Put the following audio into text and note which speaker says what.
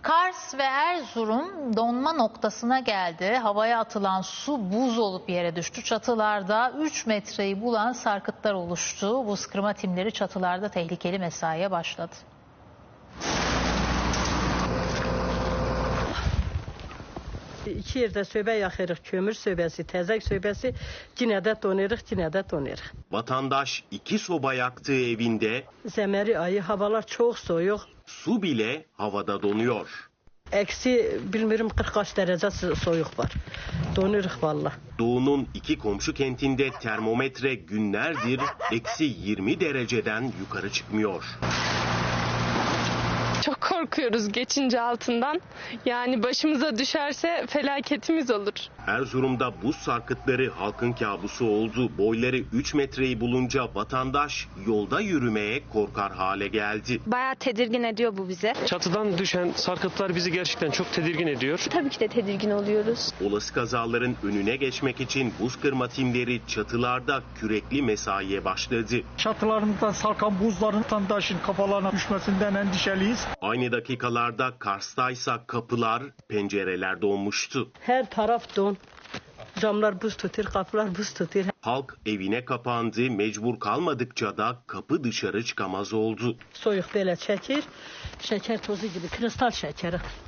Speaker 1: Kars ve Erzurum donma noktasına geldi. Havaya atılan su buz olup yere düştü. Çatılarda 3 metreyi bulan sarkıtlar oluştu. Buz kırma timleri çatılarda tehlikeli mesaiye başladı.
Speaker 2: İki yerde söbe yakırıq, kömür söbesi, təzək söbesi, yine de donuruq, yine de donuruq.
Speaker 3: Vatandaş 2 soba yaktığı evinde
Speaker 2: Zemeri ayı, havalar çok soğuk.
Speaker 3: su bile havada donuyor.
Speaker 2: Eksi bilmiyorum 40 kaç derece soğuk var. Donuruq valla.
Speaker 3: Doğu'nun 2 komşu kentinde termometre günlerdir eksi 20 dereceden yukarı çıkmıyor.
Speaker 4: Çok korkuyoruz geçince altından. Yani başımıza düşerse felaketimiz olur.
Speaker 3: Erzurum'da buz sarkıtları halkın kabusu oldu. Boyları 3 metreyi bulunca vatandaş yolda yürümeye korkar hale geldi.
Speaker 5: Bayağı tedirgin ediyor bu bize.
Speaker 6: Çatıdan düşen sarkıtlar bizi gerçekten çok tedirgin ediyor.
Speaker 5: Tabii ki de tedirgin oluyoruz.
Speaker 3: Olası kazaların önüne geçmek için buz kırma timleri çatılarda kürekli mesaiye başladı.
Speaker 7: Çatılarımızdan sarkan buzların vatandaşın kafalarına düşmesinden endişeliyiz.
Speaker 3: Aynı dakikalarda Kars'taysa kapılar, pencereler donmuştu.
Speaker 2: Her taraf don. Camlar buz tutuyor, kapılar buz tutuyor.
Speaker 3: Halk evine kapandı, mecbur kalmadıkça da kapı dışarı çıkamaz oldu.
Speaker 2: Soyuq belə çəkir. Şeker tozu gibi, kristal şekeri.